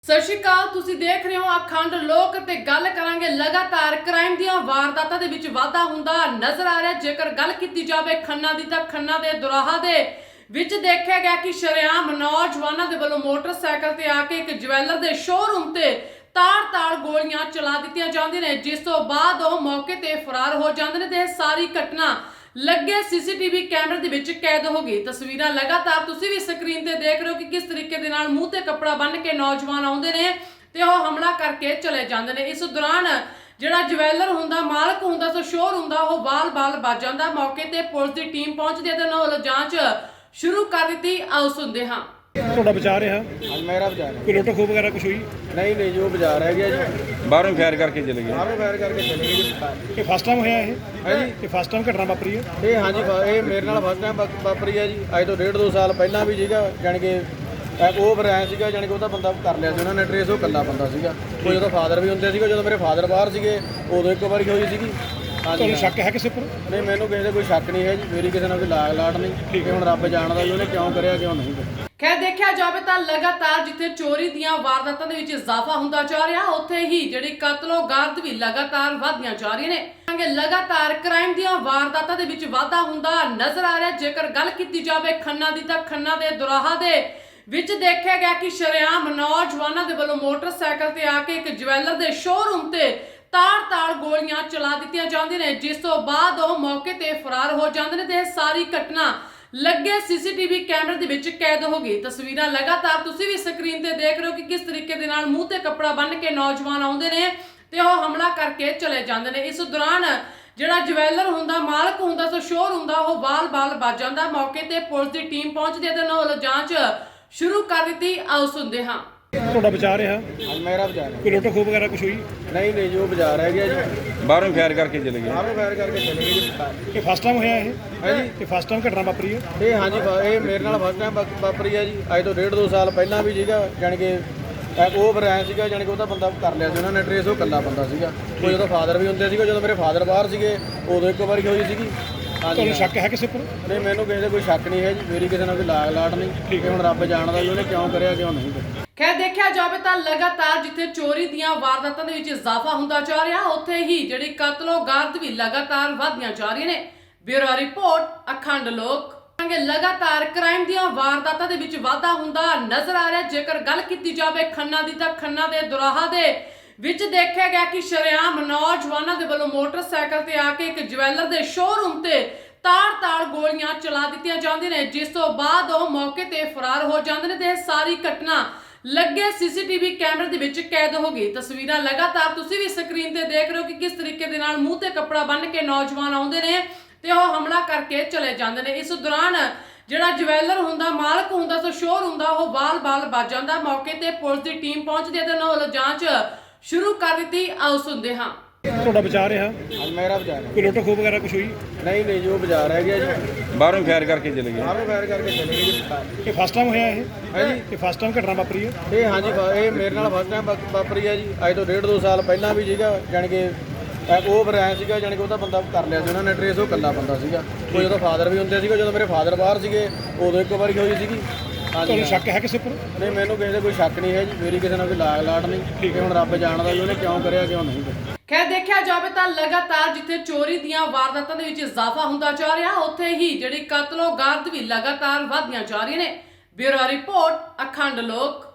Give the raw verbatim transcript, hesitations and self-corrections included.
ਸਤਿ ਸ਼੍ਰੀ ਅਕਾਲ। ਤੁਸੀਂ ਦੇਖ ਰਹੇ ਹੋ ਅਖੰਡ ਲੋਕ ਤੇ ਗੱਲ ਕਰਾਂਗੇ ਲਗਾਤਾਰ ਕ੍ਰਾਈਮ ਦੀਆਂ ਵਾਰਦਾਤਾਂ ਦੇ ਵਿੱਚ ਵਾਧਾ ਹੁੰਦਾ ਨਜ਼ਰ ਆ ਰਿਹਾ। ਜੇਕਰ ਗੱਲ ਕੀਤੀ ਜਾਵੇ ਖੰਨਾ ਦੀ ਤਾਂ ਖੰਨਾ ਦੇ ਦੁਰਾਹਾ ਦੇ ਵਿੱਚ ਦੇਖਿਆ ਗਿਆ ਕਿ ਸ਼ਰੇਆਮ ਨੌਜਵਾਨਾਂ ਦੇ ਵੱਲੋਂ ਮੋਟਰਸਾਈਕਲ ਤੇ ਆ ਕੇ ਇੱਕ ਜਵੈਲਰ ਦੇ ਸ਼ੋਰੂਮ ਤੇ ਤਾਰ-ਤਾਰ ਗੋਲੀਆਂ ਚਲਾ ਦਿੱਤੀਆਂ ਜਾਂਦੀਆਂ ਨੇ, ਜਿਸ ਤੋਂ ਬਾਅਦ ਉਹ ਮੌਕੇ ਤੇ ਫਰਾਰ ਹੋ ਜਾਂਦੇ ਨੇ ਤੇ ਇਹ ਸਾਰੀ ਘਟਨਾ ਲੱਗੇ ਸੀਸੀਟੀਵੀ ਕੈਮਰੇ ਦੇ ਵਿੱਚ ਕੈਦ ਹੋ ਗਈ। ਤਸਵੀਰਾਂ ਲਗਾਤਾਰ ਤੁਸੀਂ ਵੀ ਸਕਰੀਨ ਤੇ ਦੇਖ ਰਹੇ ਹੋ ਕਿ ਕਿਸ ਤਰੀਕੇ ਦੇ ਨਾਲ ਮੂੰਹ ਤੇ ਕੱਪੜਾ ਬੰਨ੍ਹ ਕੇ ਨੌਜਵਾਨ ਆਉਂਦੇ ਨੇ ਤੇ ਉਹ ਹਮਲਾ ਕਰਕੇ ਚਲੇ ਜਾਂਦੇ ਨੇ। ਇਸ ਦੌਰਾਨ ਜਿਹੜਾ ਜਵੈਲਰ ਹੁੰਦਾ, ਮਾਲਕ ਹੁੰਦਾ, ਸੋ ਸ਼ੋਰ ਹੁੰਦਾ, ਉਹ ਬਾਲ-ਬਾਲ ਵੱਜ ਜਾਂਦਾ। ਮੌਕੇ ਤੇ ਪੁਲਿਸ ਦੀ ਟੀਮ ਪਹੁੰਚਦੀ ਹੈ ਤੇ ਉਹਨਾਂ ਵੱਲੋਂ ਜਾਂਚ ਸ਼ੁਰੂ ਕਰ ਦਿੱਤੀ। ਆਓ ਸੁਣਦੇ ਹਾਂ। ਤੁਹਾਡਾ ਬਚਾ ਰਿਹਾ ਅੱਜ ਮੇਰਾ ਬਾਜ਼ਾਰ ਹੈ। ਕੋਈ ਲੁੱਟ ਖੋਹ ਵਗੈਰਾ ਕੁਝ ਹੋਈ? ਨਹੀਂ ਨਹੀਂ ਜੋ ਬਾਜ਼ਾਰ ਹੈ ਗਿਆ ਜੀ, ਬਾਹਰੋਂ ਫਾਇਰ ਕਰਕੇ ਚਲੇ ਗਏ। ਬਾਹਰੋਂ ਫਾਇਰ ਕਰਕੇ ਚਲੇ ਗਏ ਜੀ। ਇਹ ਫਸਟ ਟਾਈਮ ਹੋਇਆ ਇਹ ਹੈ ਜੀ, ਇਹ ਫਸਟ ਟਾਈਮ ਘਟਨਾ ਵਾਪਰੀ ਹੈ? ਇਹ ਹਾਂਜੀ ਫ- ਇਹ ਮੇਰੇ ਨਾਲ ਫਸਟ ਟਾਈਮ ਵਾਪਰੀ ਹੈ ਜੀ। ਅੱਜ ਤੋਂ ਡੇਢ ਦੋ ਸਾਲ ਪਹਿਲਾਂ ਵੀ ਸੀਗਾ, ਜਾਣੀ ਕਿ ਇਹ ਉਹ ਫਿਰ ਐਂ ਸੀਗਾ, ਜਾਣੀ ਕਿ ਉਹਦਾ ਬੰਦਾ ਕਰ ਲਿਆ ਸੀ ਉਹਨਾਂ ਨੇ ਟਰੇਸ। ਉਹ ਇਕੱਲਾ ਬੰਦਾ ਸੀਗਾ। ਉਹ ਜਦੋਂ ਫਾਦਰ ਵੀ ਹੁੰਦੇ ਸੀਗੇ, ਜਦੋਂ ਮੇਰੇ ਫਾਦਰ ਬਾਹਰ ਸੀਗੇ ਉਦੋਂ ਇੱਕ ਵਾਰੀ ਹੋਈ ਸੀਗੀ। ਹਾਂਜੀ ਤੁਹਾਨੂੰ ਸ਼ੱਕ ਹੈ ਕਿਸੇ ਉੱਪਰ? ਨਹੀਂ, ਮੈਨੂੰ ਕਿਸੇ ਦਾ ਕੋਈ ਸ਼ੱਕ ਨਹੀਂ ਹੈ ਜੀ। ਮੇਰੀ ਕਿਸੇ ਨਾਲ ਕੋਈ ਲਾਗ ਲਾਟ ਨਹੀਂ। ਠੀਕ ਹੈ, ਹੁਣ ਰੱਬ ਜਾਣਦਾ ਜੀ ਉਹਨੇ ਕਿਉਂ ਕਰਿਆ ਕਿਉਂ ਨਹੀਂ ਕਰਿਆ। ਖੈਰ ਦੇਖਿਆ ਜਾਵੇ ਤਾਂ ਲਗਾਤਾਰ ਜਿੱਥੇ ਚੋਰੀ ਦੀਆਂ ਵਾਰਦਾਤਾਂ ਦੇ ਵਿੱਚ ਇਜ਼ਾਫਾ ਹੁੰਦਾ ਜਾ ਰਿਹਾ, ਉੱਥੇ ਹੀ ਜਿਹੜੀ ਕਤਲੋ-ਗਾਰਤ ਵੀ ਲਗਾਤਾਰ ਵਧਦੀਆਂ ਜਾ ਰਹੀਆਂ ਨੇ। ਲਗਾਤਾਰ ਕ੍ਰਾਈਮ ਦੀਆਂ ਵਾਰਦਾਤਾਂ ਦੇ ਵਿੱਚ ਵਾਧਾ ਹੁੰਦਾ ਨਜ਼ਰ ਆ ਰਿਹਾ। ਜੇਕਰ ਗੱਲ ਕੀਤੀ ਜਾਵੇ ਖੰਨਾ ਦੀ ਤਾਂ ਖੰਨਾ ਦੇ ਦੁਰਾਹਾ ਦੇ ਵਿੱਚ ਦੇਖਿਆ ਗਿਆ ਕਿ ਸ਼ਰੇਆਮ ਨੌਜਵਾਨਾਂ ਦੇ ਵੱਲੋਂ ਮੋਟਰਸਾਈਕਲ ਤੇ ਆ ਕੇ ਇੱਕ ਜਵੈਲਰ ਦੇ ਸ਼ੋਰੂਮ ਤੇ ਤਾਰ-ਤਾਰ ਗੋਲੀਆਂ ਚਲਾ ਦਿੱਤੀਆਂ ਜਾਂਦੀਆਂ ਨੇ, ਜਿਸ ਤੋਂ ਬਾਅਦ ਉਹ ਮੌਕੇ ਤੇ ਫਰਾਰ ਹੋ ਜਾਂਦੇ ਨੇ ਤੇ ਇਹ ਸਾਰੀ ਘਟਨਾ ਲੱਗੇ ਸੀਸੀਟੀਵੀ ਕੈਮਰੇ ਦੇ ਵਿੱਚ ਕੈਦ ਹੋ ਗਈ। ਤਸਵੀਰਾਂ ਲਗਾਤਾਰ ਤੁਸੀਂ ਵੀ ਸਕਰੀਨ ਤੇ ਦੇਖ ਰਹੇ ਹੋ ਕਿ ਕਿਸ ਤਰੀਕੇ ਦੇ ਨਾਲ ਮੂੰਹ ਤੇ ਕੱਪੜਾ ਬੰਨ੍ਹ ਕੇ ਨੌਜਵਾਨ ਆਉਂਦੇ ਨੇ ਤੇ ਉਹ ਹਮਲਾ ਕਰਕੇ ਚਲੇ ਜਾਂਦੇ ਨੇ। ਇਸ ਦੌਰਾਨ ਜਿਹੜਾ ਜਵੈਲਰ ਹੁੰਦਾ, ਮਾਲਕ ਹੁੰਦਾ, ਸੋ ਸ਼ੋਰ ਹੁੰਦਾ, ਉਹ ਬਾਲ-ਬਾਲ ਵੱਜ ਜਾਂਦਾ। ਮੌਕੇ ਤੇ ਪੁਲਿਸ ਦੀ ਟੀਮ ਪਹੁੰਚਦੀ ਹੈ ਤੇ ਉਹਨਾਂ ਵੱਲੋਂ ਜਾਂਚ ਸ਼ੁਰੂ ਕਰ ਦਿੱਤੀ। ਆਓ ਸੁਣਦੇ ਹਾਂ। ਤੁਹਾਡਾ ਬਚਾ ਰਿਹਾ ਅੱਜ ਮੇਰਾ ਬਾਜ਼ਾਰ ਹੈ। ਕੋਈ ਲੁੱਟ ਖੋਹ ਵਗੈਰਾ ਕੁਝ ਹੋਈ? ਨਹੀਂ ਨਹੀਂ ਜੋ ਬਾਜ਼ਾਰ ਹੈ ਗਿਆ ਜੀ, ਬਾਹਰੋਂ ਫਾਇਰ ਕਰਕੇ ਚਲੇ ਗਏ। ਬਾਹਰੋਂ ਫਾਇਰ ਕਰਕੇ ਚਲੇ ਗਏ ਜੀ। ਇਹ ਫਸਟ ਟਾਈਮ ਹੋਇਆ ਇਹ ਹੈ ਜੀ, ਇਹ ਫਸਟ ਟਾਈਮ ਘਟਨਾ ਵਾਪਰੀ ਹੈ? ਇਹ ਹਾਂਜੀ ਫ- ਇਹ ਮੇਰੇ ਨਾਲ ਫਸਟ ਟਾਈਮ ਵਾਪਰੀ ਹੈ ਜੀ। ਅੱਜ ਤੋਂ ਡੇਢ ਦੋ ਸਾਲ ਪਹਿਲਾਂ ਵੀ ਸੀਗਾ, ਜਾਣੀ ਕਿ ਇਹ ਉਹ ਫਿਰ ਐਂ ਸੀਗਾ, ਜਾਣੀ ਕਿ ਉਹਦਾ ਬੰਦਾ ਕਰ ਲਿਆ ਸੀ ਉਹਨਾਂ ਨੇ ਟਰੇਸ। ਉਹ ਇਕੱਲਾ ਬੰਦਾ ਸੀਗਾ। ਉਹ ਜਦੋਂ ਫਾਦਰ ਵੀ ਹੁੰਦੇ ਸੀਗੇ, ਜਦੋਂ ਮੇਰੇ ਫਾਦਰ ਬਾਹਰ ਸੀਗੇ ਉਦੋਂ ਇੱਕ ਵਾਰੀ ਹੋਈ ਸੀਗੀ। ਹਾਂਜੀ ਤੁਹਾਨੂੰ ਸ਼ੱਕ ਹੈ ਕਿਸੇ ਉੱਪਰ? ਨਹੀਂ, ਮੈਨੂੰ ਕਿਸੇ ਦਾ ਕੋਈ ਸ਼ੱਕ ਨਹੀਂ ਹੈ ਜੀ। ਮੇਰੀ ਕਿਸੇ ਨਾਲ ਕੋਈ ਲਾਗ ਲਾਟ ਨਹੀਂ। ਠੀਕ ਹੈ, ਹੁਣ ਰੱਬ ਜਾਣਦਾ ਜੀ ਉਹਨੇ ਕਿਉਂ ਕਰਿਆ ਕਿਉਂ ਨਹੀਂ ਕਰਿਆ। ਖੈਰ ਦੇਖਿਆ ਜਾਵੇ ਤਾਂ ਲਗਾਤਾਰ ਜਿੱਥੇ ਚੋਰੀ ਦੀਆਂ ਵਾਰਦਾਤਾਂ ਦੇ ਵਿੱਚ ਇਜ਼ਾਫਾ ਹੁੰਦਾ ਜਾ ਰਿਹਾ, ਉੱਥੇ ਹੀ ਜਿਹੜੀ ਕਤਲੋ-ਗਾਰਤ ਵੀ ਲਗਾਤਾਰ ਵਧਦੀਆਂ ਜਾ ਰਹੀਆਂ ਨੇ। ਬਿਊਰੋ ਰਿਪੋਰਟ ਅਖੰਡ ਲੋਕ। ਲਗਾਤਾਰ ਕ੍ਰਾਈਮ ਦੀਆਂ ਵਾਰਦਾਤਾਂ ਦੇ ਵਿੱਚ ਵਾਧਾ ਹੁੰਦਾ ਨਜ਼ਰ ਆ ਰਿਹਾ। ਜੇਕਰ ਗੱਲ ਕੀਤੀ ਜਾਵੇ ਖੰਨਾ ਦੀ ਤਾਂ ਖੰਨਾ ਦੇ ਦੁਰਾਹਾ ਦੇ ਵਿੱਚ ਦੇਖਿਆ ਗਿਆ ਕਿ ਸ਼ਰੇਆਮ ਨੌਜਵਾਨਾਂ ਦੇ ਵੱਲੋਂ ਮੋਟਰਸਾਈਕਲ ਤੇ ਆ ਕੇ ਇੱਕ ਜਵੈਲਰ ਦੇ ਸ਼ੋਰੂਮ ਤੇ ਤਾਰ-ਤਾਰ ਗੋਲੀਆਂ ਚਲਾ ਦਿੱਤੀਆਂ ਜਾਂਦੀਆਂ ਨੇ, ਜਿਸ ਤੋਂ ਬਾਅਦ ਉਹ ਮੌਕੇ ਤੇ ਫਰਾਰ ਹੋ ਜਾਂਦੇ ਨੇ ਤੇ ਇਹ ਸਾਰੀ ਘਟਨਾ ਲੱਗੇ ਸੀਸੀਟੀਵੀ ਕੈਮਰੇ ਦੇ ਵਿੱਚ ਕੈਦ ਹੋ ਗਈ। ਤਸਵੀਰਾਂ ਲਗਾਤਾਰ ਤੁਸੀਂ ਵੀ ਸਕਰੀਨ ਤੇ ਦੇਖ ਰਹੇ ਹੋ ਕਿ ਕਿਸ ਤਰੀਕੇ ਦੇ ਨਾਲ ਮੂੰਹ ਤੇ ਕੱਪੜਾ ਬੰਨ੍ਹ ਕੇ ਨੌਜਵਾਨ ਆਉਂਦੇ ਨੇ ਤੇ ਉਹ ਹਮਲਾ ਕਰਕੇ ਚਲੇ ਜਾਂਦੇ ਨੇ। ਇਸ ਦੌਰਾਨ ਜਿਹੜਾ ਜਵੈਲਰ ਹੁੰਦਾ, ਮਾਲਕ ਹੁੰਦਾ, ਸੋ ਸ਼ੋਰ ਹੁੰਦਾ, ਉਹ ਬਾਲ-ਬਾਲ ਵੱਜ ਜਾਂਦਾ। ਮੌਕੇ ਤੇ ਪੁਲਿਸ ਦੀ ਟੀਮ ਪਹੁੰਚਦੀ ਹੈ ਤੇ ਉਹਨਾਂ ਵੱਲੋਂ ਜਾਂਚ ਸ਼ੁਰੂ ਕਰ ਦਿੱਤੀ। ਆਓ ਸੁਣਦੇ ਹਾਂ। ਤੁਹਾਡਾ ਬਚਾ ਰਿਹਾ ਅੱਜ ਮੇਰਾ ਬਾਜ਼ਾਰ ਹੈ। ਕੋਈ ਲੁੱਟ ਖੋਹ ਵਗੈਰਾ ਕੁਝ ਹੋਈ? ਨਹੀਂ ਨਹੀਂ ਜੋ ਬਾਜ਼ਾਰ ਹੈ ਗਿਆ ਜੀ, ਬਾਹਰੋਂ ਫਾਇਰ ਕਰਕੇ ਚਲੇ ਗਏ। ਬਾਹਰੋਂ ਫਾਇਰ ਕਰਕੇ ਚਲੇ ਗਏ ਜੀ। ਇਹ ਫਸਟ ਟਾਈਮ ਹੋਇਆ ਇਹ ਹੈ ਜੀ, ਇਹ ਫਸਟ ਟਾਈਮ ਘਟਨਾ ਵਾਪਰੀ ਹੈ? ਇਹ ਹਾਂਜੀ ਫ- ਇਹ ਮੇਰੇ ਨਾਲ ਫਸਟ ਟਾਈਮ ਵਾਪਰੀ ਹੈ ਜੀ। ਅੱਜ ਤੋਂ ਡੇਢ ਦੋ ਸਾਲ ਪਹਿਲਾਂ ਵੀ ਸੀਗਾ, ਜਾਣੀ ਕਿ ਇਹ ਉਹ ਫਿਰ ਐਂ ਸੀਗਾ, ਜਾਣੀ ਕਿ ਉਹਦਾ ਬੰਦਾ ਕਰ ਲਿਆ ਸੀ ਉਹਨਾਂ ਨੇ ਟਰੇਸ। ਉਹ ਇਕੱਲਾ ਬੰਦਾ ਸੀਗਾ। ਉਹ ਜਦੋਂ ਫਾਦਰ ਵੀ ਹੁੰਦੇ ਸੀਗੇ, ਜਦੋਂ ਮੇਰੇ ਫਾਦਰ ਬਾਹਰ ਸੀਗੇ ਉਦੋਂ ਇੱਕ ਵਾਰੀ ਹੋਈ ਸੀਗੀ। ਹਾਂਜੀ ਤੁਹਾਨੂੰ ਸ਼ੱਕ ਹੈ ਕਿਸੇ ਉੱਪਰ? ਨਹੀਂ, ਮੈਨੂੰ ਕਿਸੇ ਦਾ ਕੋਈ ਸ਼ੱਕ ਨਹੀਂ ਹੈ ਜੀ। ਮੇਰੀ ਕਿਸੇ ਨਾਲ ਕੋਈ ਲਾਗ ਲਾਟ ਨਹੀਂ। ਠੀਕ ਹੈ, ਹੁਣ ਰੱਬ ਜਾਣਦਾ ਜੀ ਉਹਨੇ ਕਿਉਂ ਕਰਿਆ ਕਿਉਂ ਨਹੀਂ ਕਰਿਆ। ਖੈਰ ਦੇਖਿਆ ਜਾਵੇ ਤਾਂ ਲਗਾਤਾਰ ਜਿੱਥੇ ਚੋਰੀ ਦੀਆਂ ਵਾਰਦਾਤਾਂ ਦੇ ਵਿੱਚ ਇਜ਼ਾਫਾ ਹੁੰਦਾ ਜਾ ਰਿਹਾ, ਉੱਥੇ ਹੀ ਜਿਹੜੀ ਕਤਲੋ-ਗਾਰਤ ਵੀ ਲਗਾਤਾਰ ਵਧਦੀਆਂ ਜਾ ਰਹੀਆਂ ਨੇ। ਬਿਊਰੋ ਰਿਪੋਰਟ ਅਖੰਡ ਲੋਕ।